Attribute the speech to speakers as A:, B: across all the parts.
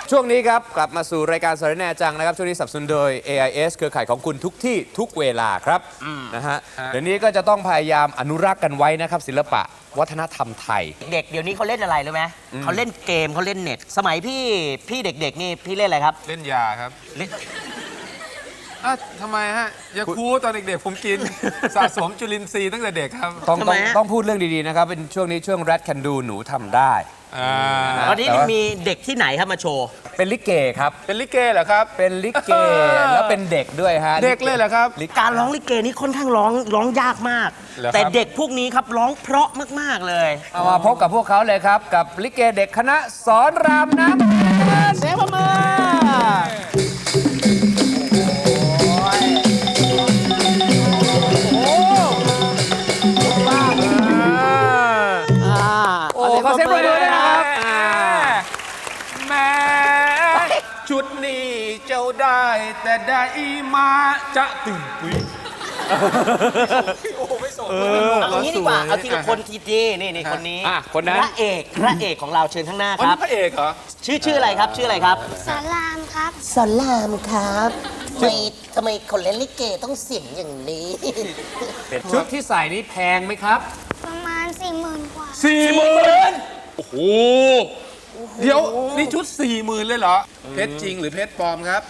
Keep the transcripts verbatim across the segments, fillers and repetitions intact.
A: ช่วงนี้ครับกลับมาสู่รายการสารแหน่จังนะครับช่วงนี้สนับสนุนโดย เอ ไอ เอส เครือข่ายของคุณทุกที่ทุกเวลาครับนะฮะเดี๋ยวนี้ก็จะต้องพยายามอนุรักษ์กันไว้นะครับศิลปะวัฒนธรรมไทย
B: เด็กเดี๋ยวนี้เขาเล่นอะไรรู้ไหมเขาเล่นเกมเขาเล่นเน็ตสมัยพี่พี่เด็กๆนี่พี่เล่นอะไรครับ
C: เล่นยาครับ
B: เล่น
C: อ่ะทำไมฮะยาคูตอนเด็กๆผมกิน สะสมจุลินทรีย์ตั้งแต่เด็กครับ
A: ต้องต้องต้องพูดเรื่องดีๆนะครับเป็นช่วงนี้ช่วง Rat Can Do หนูทำได้
B: วันนี้มีเด็กที่ไหนครับมาโชว์
A: เป็นลิเกครับ
C: เป็นลิเกเหรอครับ
A: เป็นลิเกแล้วเป็นเด็กด้วยฮะ
C: เด็กเลยเหรอครับ
B: การร้องลิเกนี่ค่อนข้างร้องร้องยากมากแต่เด็กพวกนี้ครับร้องเพราะมากๆเลย
A: เอามาพบกับพวกเขาเลยครับกับลิเกเด็กคณะสอนรามน้ำเสียงประมือขอเสียงปรบมือด้วยนะครับ
C: แม่ชุดนี้เจ้าได้แต่ได้มาจะตึงปุ้ยโอ้ไม่ส่ง
B: เอางี้ดีกว่าเอาทีละคนทีดีนี่นี่คนนี้
A: คนนั้น
B: พระเอกพระเอกของเราเชิญข้างหน้าครับ
C: พระเอกเหรอ
B: ชื่อชื่ออะไรครับชื่ออะไรครับ
D: สอนรามครับ
B: สอนรามครับทำไมทำไมคนเล่นลิเกต้องเสียงอย่างนี้
A: ชุดที่ใส่นี้แพงไหมครับ
D: ประมาณสี่หมื่นกว่า
C: สี่หมื่นโอ้โหเดี๋ยวนี่ชุดสี่หมื่นเลยเหรอเพชรจริงหรือเพชรปลอมครับ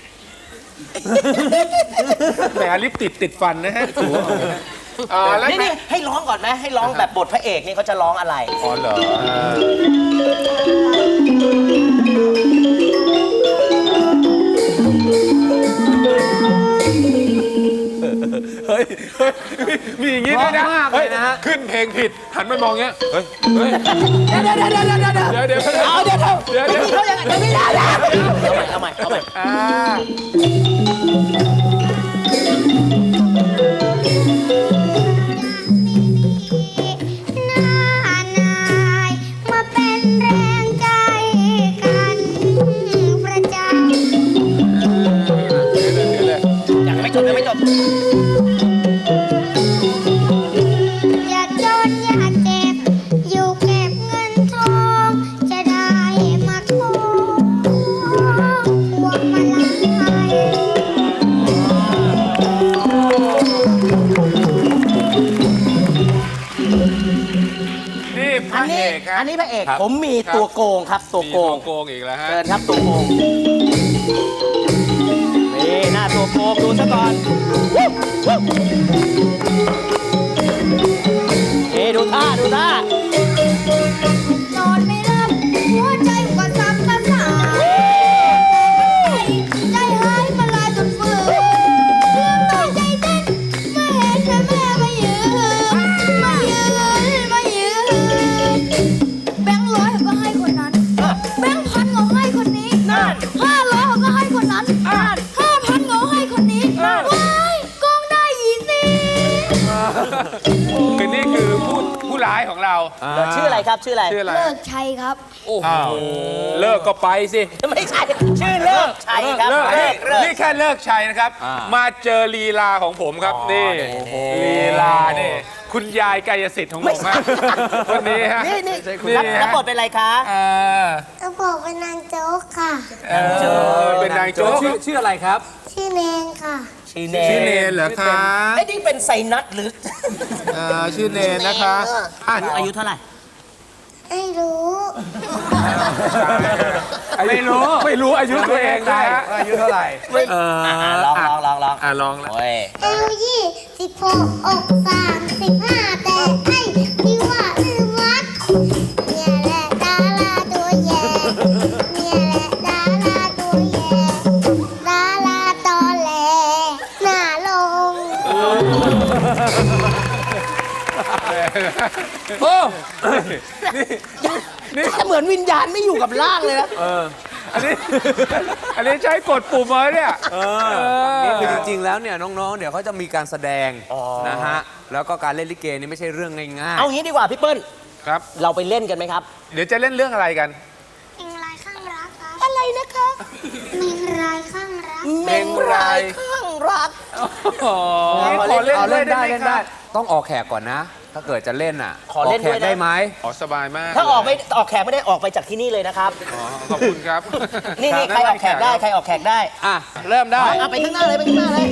C: แหมลิปติดติดฟันนะฮะถู
B: นี่นี่ให้ร้องก่อนไหมให้ร้องแบบบทพระเอกนี่เขาจะร้องอะไร
C: อ๋อเหรอเฮ้ยมีอย่างงี้ด้วยนะเฮ้ยขึ้นเพลงผิดหันไปมองเงี้ยเฮ้ยเฮ้ย
B: เดี๋ยวเดี๋ยวเดี๋ยวเดี๋ยวเดี๋ยวเดี๋ยวเอาเดี๋ยวเดี๋ยวเดี๋ยวเขายังไม่ได้แล้วเอาใหม่เอาใหม่เอาใหม่จบยังไม่จบ
D: อย่าจนอย่าเจ็บอยู่เก็บเงินทองจะได้มาทองพวงมาลัย
C: นี่พระเอกครับ
B: อันนี้พระเอกผมมีตัวโกงครับตัวโกง
C: โกงอีกแล้วฮะ
B: เชิญครับตัวโกงนี่หน้าตัวโกงดูซะก่อนเฮ้ดูท่าดูท่
D: านอนไม่หลับหัวใจก็สับกระส่ายใจหายมาลายจนฝืนเรื่องต่อใจเต้นเมื่อเห็นแม่แม่มายืนมายืนมายืนแบงค์ร้อยก็ให้คนนั้นแบงค์พันก็ให้คนนี้ห้าร้อยก็ให้คนนั้นห้าพันก็ให้คนนี้ว้ายกองได้ยี่สิบ
C: คือนี่คือผู้ผู้ร้ายของเรา
B: ชื่ออะไรครับชื่ออะไร
C: ชื่ออะไร
D: เลิกชัยครับ
C: โอ้โหเลิกก็ไปสิ
B: ไม่ใช่ชื่อเลิกชัยครับ
C: นี่แค่เลิกชัยนะครับมาเจอลีลาของผมครับนี่ลีลานี่คุณยายกายสิทธิ์ของผมคนนี้ฮะ
B: นี่นี่รับบทเป็นอะไรคะ
D: ก็บอกเป็นนางโจ๊กค่ะ
C: เป็นนางโจ๊ก
A: ชื่ออะไรครับ
D: ชื่อเนนค่ะ
B: ชื่อเน
C: ชื่อเนนเหรอคะ
B: ไอ้นี่เป็นไซนัสหรือ
C: ชื่อเนนนะคะ
B: อายุเท่าไหร่
D: ไม่รู้
C: ไม่รู้ไม่รู้อายุตัวเองนะ
A: อายุเท่าไหร่
B: ลองลองลองลอง
C: อ่ะลองแล้ว
D: เอลยี่สิบหกอกสามสิบห้าแต่ไอ้ที่ว่าลืมวัดเนี่ยแหละดาราตัวแย่เนี่ยแหละดาราตัวแย่ดาราตอแหลหน้าลง
B: โอ้นี่เหมือนวิญญาณไม่อยู่กับร่างเลยนะ
C: อันนี้อันนี้ใช้กดปุ่มมาเนี่ย
A: นี่คือจริงๆแล้วเนี่ยน้องๆเดี๋ยวเขาจะมีการแสดงนะฮะแล้วก็การเล่นลิเกนี่ไม่ใช่เรื่องง่ายๆ
B: เอางี้ดีกว่าพี่เปิ้ล
C: ครับ
B: เราไปเล่นกันไหมครับ
C: เดี๋ยวจะเล่นเรื่องอะไรกัน
D: เมงรายข้างรักครับ
B: อะไรนะคะ
D: เมงรายข้างรัก
B: เมงรายข้างรัก
A: ขอเล่นเล่นได้เล่นได้ต้องออกแขกก่อนนะถ้าเกิดจะเล่นอ่ะ
B: ขอเล่น
A: กแข
B: ด้วย
A: ก
B: นะ
A: ได้ไหม
C: อ๋อสบายมาก
B: ถ้าออกไม่ออกแขกไม่ได้ออกไปจากที่นี่เลยนะครับ
C: อ๋อขอบคุณครับ
B: นี่นี่ใครออกแขกได้ใครออกแขกได้
A: อ่ะ เริ่มได้
B: เอาไปข้างหน้าเลยไปข้างหน้าเลย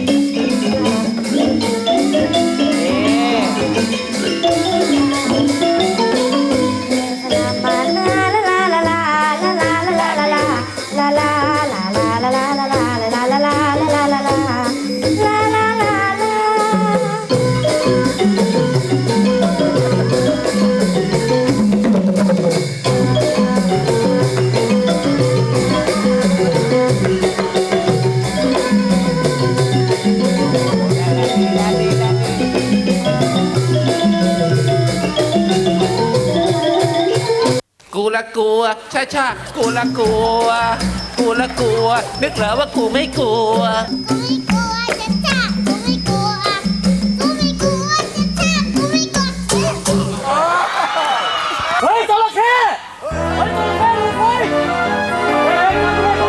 B: กูละกลัวชาชากูละกลัว กูละกลัว นึกเหรอว่ากูไม่กลัว
D: กูไม่กลัวจะจ้ากูไม่กลัวกูไม่กลัวจะจ้ากูไม่กลัว
B: เฮ้ยจระเข้เฮ้ยจระเข้ดูเฮ้ยเฮ้ย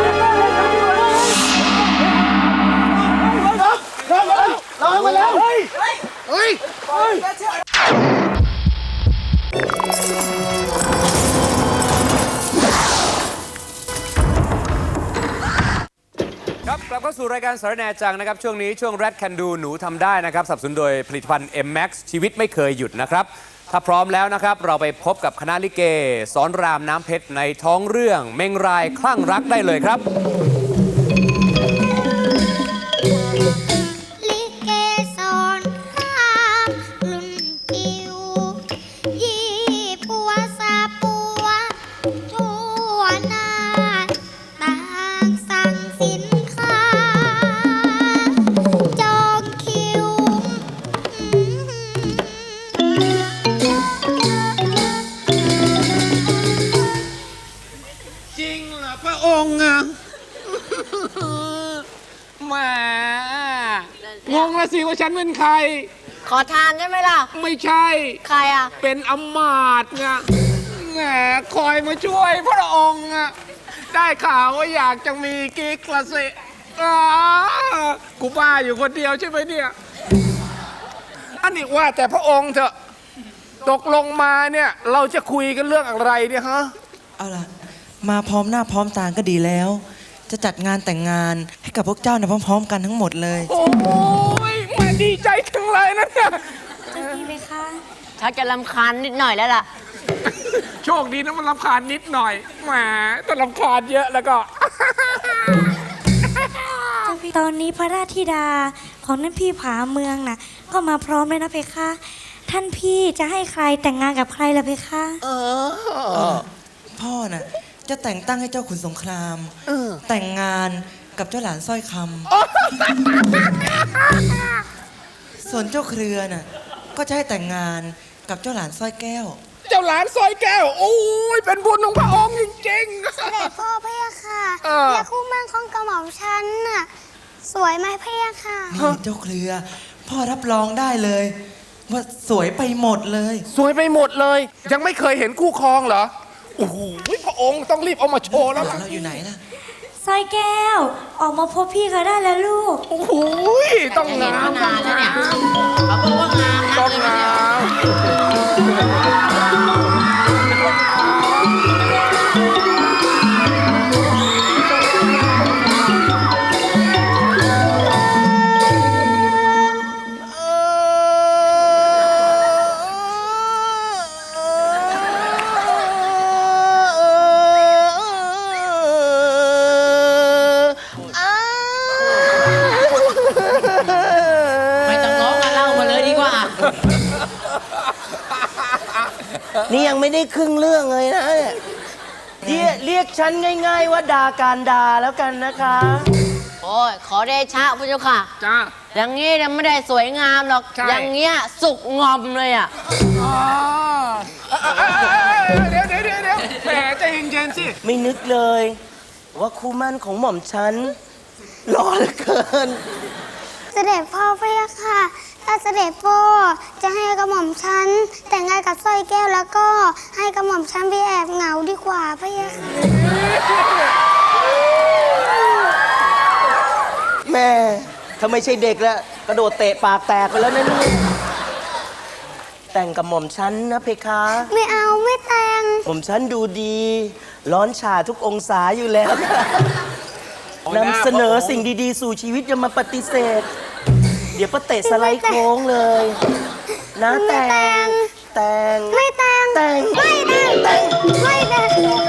B: ลองมาแล้วเฮ้ยเฮ้ยเฮ้ย
A: ครับกลับเข้าสู่รายการสารแหนจังนะครับ ช่วงนี้ช่วง Rat Can Do หนูทำได้นะครับสนับสนุนโดยผลิตภัณฑ์ เอ็ม แม็กซ์ ชีวิตไม่เคยหยุดนะครับ ถ้าพร้อมแล้วนะครับ เราไปพบกับคณะลิเกสอนรามน้ำเพชรในท้องเรื่องเมงรายคลั่งรักได้เลยครับ
D: ลิเกสอนรามรุ่นจิ๋วยี่ปัวซาปัวทั่วหน้าต่างสั่งสินค้าจองคิว
C: จริงเหรอพระองค์อะแหมงงละสิว่าฉันเป็นใคร
E: ขอทานใช่ไหมล่ะ
C: ไม่ใช่
E: ใครอ่ะ
C: เป็นอำมาตย์ไงแหมคอยมาช่วยพระองค์อะได้ข่าวว่าอยากจะมีกิ๊กละสิอ้ากูบ้าอยู่คนเดียวใช่ไหมเนี่ย อันนี้ว่าแต่พระองค์เถอะตกลงมาเนี่ย เราจะคุยกันเรื่องอะไรเนี่ยฮะ
F: เอาล่ะ มาพร้อมหน้าพร้อมตาก็ดีแล้ว จะจัดงานแต่งงานให้กับพวกเจ้าเนี่ยพร้อม ๆ กันทั้งหมดเลย
C: โอ้ยมาดีใจจังเลยนะเนี่ย
E: ชักจะรำคาญนิดหน่อยแล้วล่ะ
C: โชคดีนะมันรำคาญนิดหน่อยแหมแต่รำคาญเยอะแล้วก็
G: ตอนนี้พระราชธิดาของท่านพี่ผาเมืองน่ะ ก็มาพร้อมเลยนะเพคะ ท่านพี่จะให้ใครแต่งงานกับใครล่ะเพคะ
F: พ่อน่ะจะแต่งตั้งให้เจ้าขุนสงคราม แต่งงานกับเจ้าหลานสร้อยคำส่วนเจ้าเครือน่ะก็จะให้แต่งงานกับเจ้าหลานสร้อยแก้ว
C: เจ้าหลานซอยแก้ว โอ้ยเป็นบุญของพระองค์จริง
D: เสด็จพ่อพะยะค่ะ
C: เออ
D: และคู่มั่นของกระหม่อมฉันน่ะสวยไหมพะยะค่ะ
F: นี่เจ้าเครือ พ่อรับรองได้เลย ว่าสวยไปหมดเลย
C: ๆ สวยไปหมดเลย ยังไม่เคยเห็นคู่ครองเหรอ โอ้โหพระองค์ต้องรีบเอามาโชว์แล้วล่ะ
F: เราอยู่ไหนล่ะ
G: สร้อยแก้ว ออกมาพบพี่เขาได้แล้วลูก
C: โอ้โหต้องงาม
E: นานแล้วเนี่ย เขาบอกว่างามนั
C: ต้อก ง
E: เลย
C: งา
E: เนี่ย
C: ม
E: ไม่ต้องร้องมาเล่ามาเลยดีกว่า
B: นี่ยังไม่ได้ครึ่งเรื่องเลยนะเนี่ยเรียกเรียกฉันง่าย ๆ ว่าดาการดาแล้วกันนะคะ
E: โอ้ย ขอเดชะพระเจ้าค่ะ
C: จ้า
E: อย่างงี้เนี่ยไม่ได้สวยงามหรอก
C: ใช่
E: อย่างเงี้ยสุกงอมเลยอ่ะ
C: อ๋อเดี๋ยวเดี๋ยวเดี๋ยวเดี๋ยวแหมใจเย็นๆสิ
B: ไม่นึกเลย ว่าคู่มั่นของหม่อมฉันหล่อเหลือเกิน
D: เสด็จพ่อพะยะค่ะ ถ้าเสด็จพ่อจะให้กระหม่อมฉันแต่งงานกับสร้อยแก้วแล้วก็ให้กระหม่อมฉันไปแอบเหงาดีกว่าพะยะค่ะ
B: แม่ถ้าไม่ใช่เด็กแล้วกระโดดเตะปากแตกไปแล้วนะเนี่ยแต่งกับหม่อมฉันนะเพคะ
D: ไม่เอาไม่แต่ง
B: หม่อมฉันดูดี ร้อนฉาทุกองศาอยู่แล้วนำเสนอสิ่งดีๆ สู่ชีวิตอย่ามาปฏิเสธ เดี๋ยวประเตะสไลด์โค้งเลยนะ
D: ไม่
B: แต่ง
D: แต่ง
B: แต่ง
D: ไม่แต่ง
B: แต่ง
D: ไม่แต่ง
B: แต่ง
D: ไม่แต่ง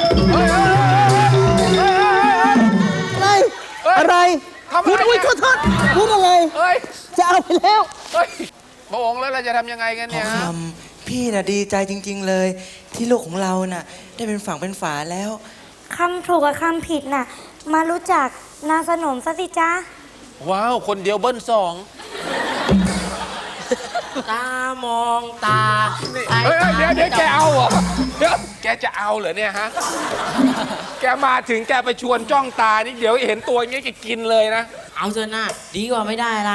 B: อะไรอะไร
C: ทำอะไร
B: พูดอุ้ยขอโทษพูดอะไร
C: เฮ้ย
B: จะเอาไปแล้ว
C: เฮ้ยพระองค์แล้วเราจะทำยังไงกัน
F: ทอ
C: เนี่
F: ง
C: ย
F: ค
C: ฮะ
F: ำพี่น่ะดีใจจริง ๆเลย ที่ลูกของเราน่ะ ได้เป็นฝั่งเป็นฝาแล้ว
G: คำถูกกับคำผิดน่ะ มารู้จักนางสนมซะสิจ๊ะ
C: ว้าว คนเดียวเบิ้ลสอง
E: ตามองตา
C: เฮ้ยเฮ้ยเดี๋ยวเดี๋ยวแกเอาเหรอเดี๋ยวแกจะเอาเหรอเนี่ยฮะ แกมาถึงแกไปชวนจ้องตานี่เดี๋ยวเห็นตัวอย่างเงี้ยแกกินเลยนะ
E: เอาเถอะนะดีกว่าไม่ได้อะไร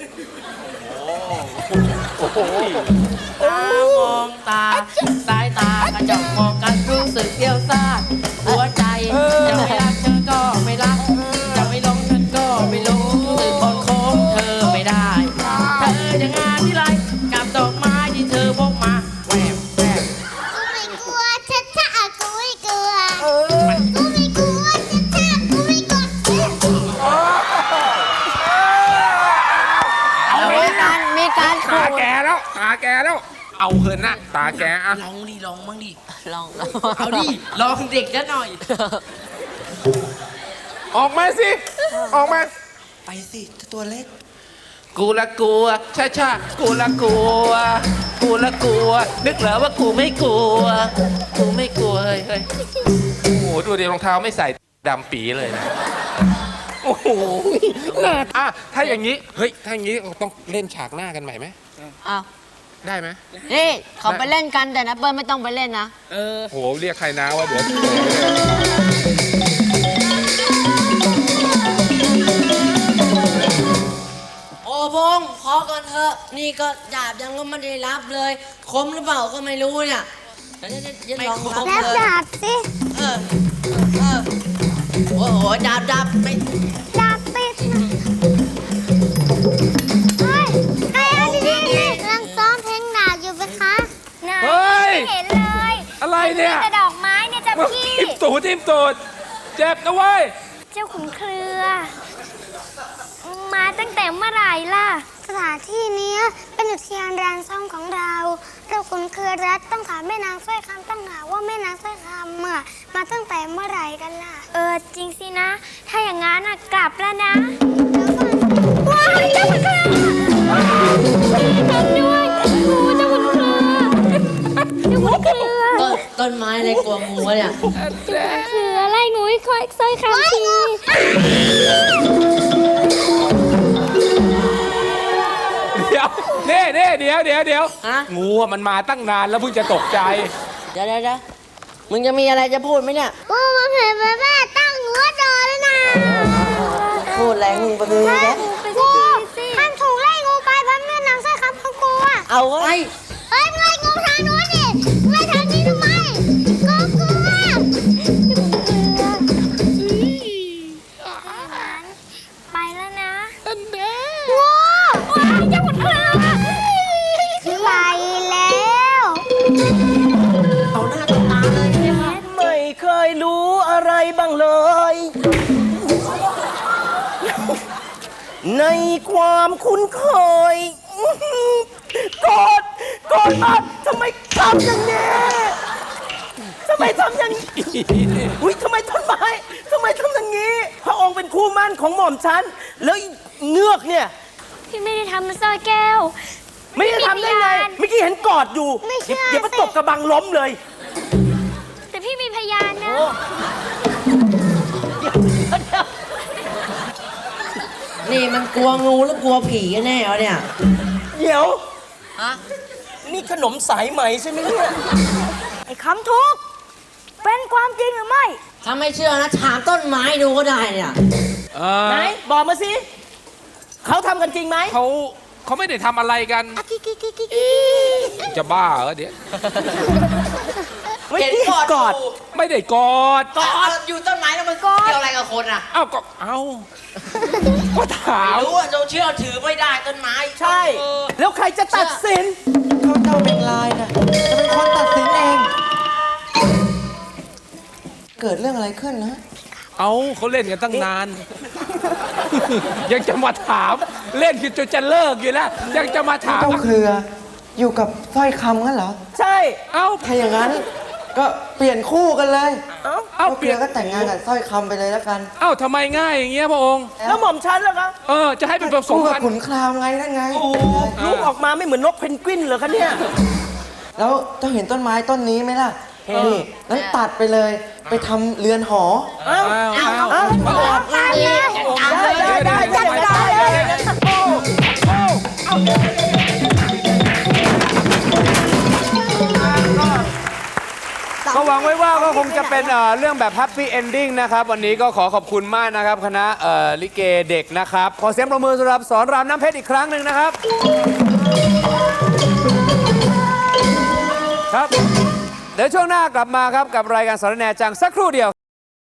C: โอ้โห
E: ตามองตา สายตากระจกมองกันรู้สึกเกี่ยวซ่านหัวใจจะไม่รักเธอก็ไม่รัก จะไม่ลงฉันก็ไม่ลงสึกคนโค้งเธอไม่ได้ เธอจะงานที่ไรกับดอกไม้ที่เธอพกมาแหวกแหวก
D: กูไม่กลัวชัดชัดกูไม่กลัวกูไม่กลัวชัดชัดกูไม่กลัว
E: มีการมีการ
C: ตาแกแล้วตาแกแล้ว เอาเหินนะตาแกอะ
E: ลองดิลองบ้างดิลองเอาดิลองเด็กกันหน่อย
C: ออกมาสิ ออกมา
F: ไปสิตัวเล็ก
C: กูละกลัวช้าช้ากูละกลัว กูละกลัว นึกเหรอว่ากูไม่กลัว กูไม่กลัวเฮ้ยเฮ้ยโอ้โหดูดิรองเท้าไม่ใส่ดำปีเลยนะ โอ้โหน่าอ่ะถ้าอย่างนี้ เฮ้ย ถ้าอย่างนี้ต้องเล่นฉากหน้ากันใหม่ไหม
E: อ้าว
C: ได้ไหม
E: นี่เขาไปเล่นกันแต่นะเปิ้ลไม่ต้องไปเล่นนะ
C: โอ้โห เรียกใครนะว่าเดี๋ยว
E: โอ้พงษ์พอก่อนเถอะ นี่ก็ดาบยังก็ไม่ได้รับเลย คมหรือเปล่าก็ไม่รู้เนี่ยเดี๋ยวๆๆๆลองรับ
D: แล้ว
E: เลย
D: ดาบสิ
E: เออเออโอ้โหดาบดาบไม่
D: ดาบติดเฮ้ยไอ้อันนี้นี่กำลังซ้อมเพลงหนักอยู่ไหมคะนะ
C: เฮ้ย
D: ไม่เห็นเลย
C: อะไรเนี่ย
D: แต่ดอกไม้เนี่ยจ้ะ
C: มึง
D: พี่
C: ทิมตูดทิมตูดเจ็บนะเว้ย
D: เจ้าขุนเครือ มาตั้งแต่เมื่อไหร่ล่ะ สถานที่นี้เป็นอุทยานรานซ่องของเรา เราขุนเครือรัฐต้องถามแม่นางสร้อยคำต้องหาว่าแม่นางสร้อยคำอะมาตั้งแต่เมื่อไหร่กันล่ะ เออจริงสินะ ถ้าอย่างงั้นอะกลับแล้วนะว้ายเจ้าขุนเครือทำด้วยโอ้เจ้าขุนเครือเจ้าขุนเครือ
E: ต้นต้นไม้อะไรกลัวงูวะเนี่ย
D: คืออะไรงูคอยสร้อยคำที
C: เดี๋ยวเน่เน่เดี๋ยวเดี๋ยวเดี๋ยว
E: ฮะ
C: งูอะมันมาตั้งนานแล้วเพิ่งจะตกใจ
E: เดี๋ยวเดี๋ยวเดี๋ยวมึงจะมีอะไรจะพูดไหมเนี่ย
D: กูมาเห็นแม่ตั้งหัวจอเลยนะ
E: พูดแรงมึงไปเลยนะ
D: กูท่านถูกไล่งูไปเพราะแม่นางสร้อยคำของกูอะ
E: เอาไว้
D: เฮ้ยมึงไล่งูทางนู้นดิมึงไล่ทางนี้ทำไมกูกลัวไปแล้วนะงูว้ายเจ้าขุนเครือไปแล้ว
E: เอาหน้าตบตาเลยเนี่ยค่ะ
B: ไม่เคยรู้อะไรบ้างเลย ในความคุ้นเคยกอดกอดมาทำไมทำอย่างนี้ทำไมทำอย่างนี้อุ้ยทำไมต้นไม้ทำไมทำอย่างนี้ พระองค์เป็นคู่มั่นของหม่อมฉัน แล้วอีเงือกเนี่ย
D: พี่ไม่ได้ทำมันสร้อยแก้ว
B: ไม่ได้ทำได้ไง เมื่อกี้เห็นกอดอยู่
D: ไม่เชื่อ
B: เดี๋ยวมา
D: สิ
B: ตบกระบังล้มเลย
D: แต่พี่มีพยานนะ
E: นี่มันกลัวงูหรือกลัวผีกันแน่วะเนี่ย
B: เดี๋ยว
E: ฮะ
B: นี่ขนมสายไหมใช่ไหมเนี่ย
G: ไอ้คำทุกเป็นความจริงหรือไม่
E: ถ้าไม่เชื่อนะถามต้นไม้ดูก็ได้เนี่ย
C: เอ
B: ไหน
C: อ
B: บอกมาสิ เขาทำกันจริงไหม
C: เขาเขาไม่ได้ทำอะไรกัน จะบ้าเหรอเดี๋ยว
B: ไม่
E: เห็น
B: เกี่ยว
E: กอด
B: กอด
E: ยู่
C: ไม่ได้กอด
E: กอดอยู่ต้นไม้แล้วมันเกี่ยวอะไรกับคนอ่ะ
C: เอ้าก็เอ้าก็ถาม
E: ไม่รู้อ่ะเราเชื่อถือไม่ได้ต้นไม้
B: ใช่
E: เออ
B: แล้วใครจะตัดสิน
F: เขาเจ้าเป็นลายนะจะเป็นคนตัดสินเอง เกิดเรื่องอะไรขึ้นนะ
C: เอาเขาเล่นกันตั้งนาน ยังจะมาถาม เล่นกันจนจะเลิกอยู่แล้ว ยังจะมาถาม
F: เจ้าเครืออยู่กับสร้อยคำงั้นเหรอ
B: ใช่
C: เอ้า
F: ถ้าอย่างนั้นก็เปลี่ยนคู่กันเลย
B: เอ้า
C: เอ้า
F: เจ้า
C: เป
F: เค
C: ลี่
F: รื
C: ยน
F: อก็แต่งงานกับสร้อยคำไปเลยแล้วกัน
C: เอ้าทำไมง่ายอย่างเงี้ยพระองค์
B: แล้วหม่อมฉันล่ะคะ
C: เออ จะให้เป็นผสม
F: คู่กับ
C: พันธุ์
F: ขุนครามไงนั่นไง
B: ลูกออกมาไม่เหมือนนกเพนกวินเหรอคะเนี่ย
F: แล้วเจ้าเห็นต้นไม้ต้นนี้ไหมล่ะ นี่นั้นตัดไปเลย ไปทำเรือนหอ
B: เอ้า
C: อ้าวอ้าว
B: เอ้า
C: พระองค์
B: ได้ได้ได้จัดการเลย
A: ก็หวังไว้ว่าก็คงจะเป็นเอ่อเรื่องแบบแฮปปี้เอนดิ้งนะครับ วันนี้ก็ขอขอบคุณมากนะครับ คณะเอ่อลิเกเด็กนะครับ ขอเสียงปรบมือสำหรับสอนรามน้ำเพชรอีกครั้งหนึ่งนะครับ ครับ เดี๋ยวช่วงหน้ากลับมาครับกับรายการสารแหนจังสักครู่เดียว